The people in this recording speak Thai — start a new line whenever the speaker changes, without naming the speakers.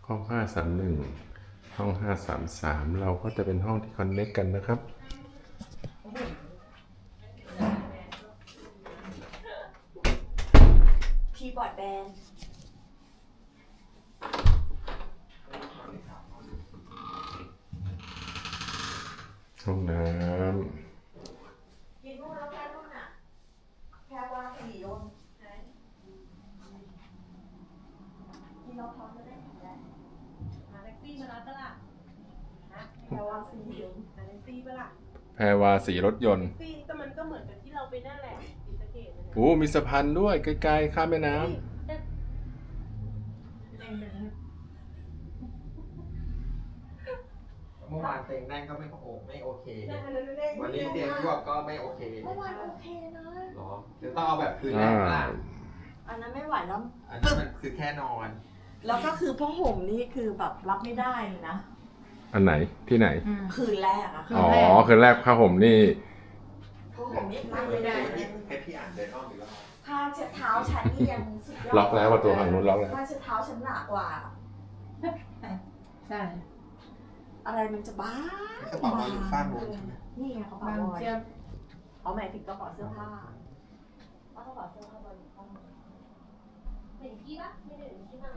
ห้อง531ห้อง533เราก็จะเป็นห้องที่คอนเนคกันนะครับ
คีย์บอร์ดแบน
ห้องน้
กินนู่นแล้วแค่นู่นอ่ะแค่ว่าสี่โยนกินเราท้องจะได้ถึงได้
หาแท็กซี่มารับปะล่ะฮะ
แค่ว่าสี่โยน
หาแท็กซี่ปะล่ะ
ำแพรวาสีรถยนต์
แท็กซี่ก็มันก็เหมือนกับที่เราไปนั่นแหละศรีสะเกษนั่นแหละ
โอ้มีสะพานด้วยไกลๆข้ามแม่น้ำ
เมื่อวานเต็งนั่งก็ไม่โอเค วันนี้เตียงยวบก็ไม่โอเค
เมื่อวานโอเคนะ
หรอเดี๋ยวต้องเอาแบบคืนแรกล่ะ
อันนั้นไม่ไหวแล้ว
อันนี้มันคือแค่นอน
แล้วก็คือผ้าห่มนี่คือแบบรับไม่ได้เลยนะ
อันไหนที่ไหน
คืนแรกอะค่ะ
อ๋อคืนแรกผ้าห่มนี่
ผ้าห่มนี่รับไม่ได้เลย
ให้พี่อ่านเดินอ้อมอีกรอบ
ผ้าเช็ดเท้าฉันนี่ยังสุดยอด
ล็อกแล้วประตูฝั่งนู้นล็อกแล้ว
ผ้าเช็ดเท้าฉันหนากว่า
ใช่
อะไรมันจะบ้าก
ระเป๋าเราอยู่ฝ้านู้นใช่ไหม
นี่ไงกระเป๋า
บาง
บอย
เชียบ
เขาหมายถึงกระเป๋าเสื้อผ้าเอากระเป๋าเสื้อผ้าบอยอยู่ข้างบน
เห็นพี่ปะไม่ได้เห็นพี่บ้าง